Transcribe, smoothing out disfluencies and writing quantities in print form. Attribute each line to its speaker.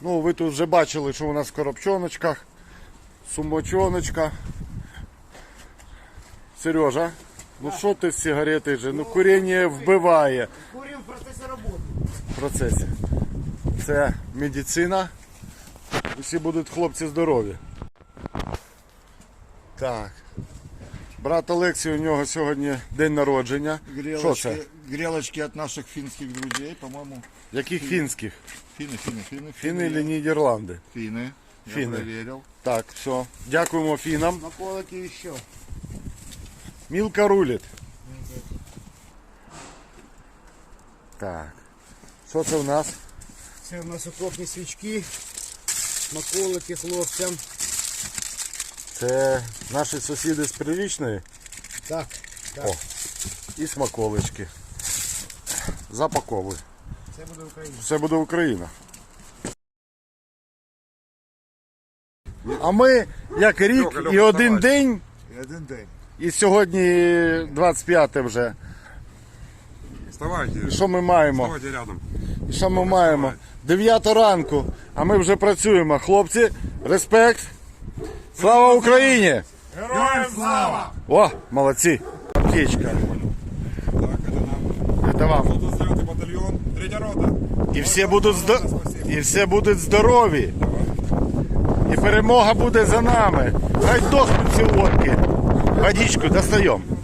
Speaker 1: Ну, ви тут вже бачили, що у нас в коробчоночках, сумочоночка. Сережа, ну що ти з сигарети же? Ну куріння вбиває.
Speaker 2: Курим в процесі роботи.
Speaker 1: В процесі. Це медицина. Усі будуть хлопці здорові. Так. Брат Олексій, у нього сьогодні день народження. Що це?
Speaker 3: Грелочки от наших финских друзей, по-моему.
Speaker 1: Яких фінських?
Speaker 3: Финны.
Speaker 1: Фіни чи Нідерланди?
Speaker 3: Финны. Я
Speaker 1: Финны.
Speaker 3: проверил.
Speaker 1: Так, все. Дякуємо фінам.
Speaker 2: Наколоки ще.
Speaker 1: Мілка рулить. Так. Що це у нас?
Speaker 2: Це у нас окопні свічки, наколоки хлопцям.
Speaker 1: Це наші сусіди з Прирічної.
Speaker 2: Так, так.
Speaker 1: О, і смаколички. Запаковуй.
Speaker 2: Це буде Україна.
Speaker 1: Все буде Україна. А ми, як рік і один день,
Speaker 3: И один день.
Speaker 1: і сьогодні 25 вже.
Speaker 4: Вставайте.
Speaker 1: І що ми маємо?
Speaker 4: Вставайте рядом.
Speaker 1: І що ми маємо? 9 ранку, а ми вже працюємо. Хлопці, респект. Слава Україні!
Speaker 3: Героям слава!
Speaker 1: О, молодці. Аптечка.
Speaker 4: Так, это нам.
Speaker 1: Це вам.
Speaker 4: 129 батальйон, 3-я рота.
Speaker 1: І всі будуть здорові. І перемога буде за нами. Хай дохнуть ці водки. Водичку достаємо.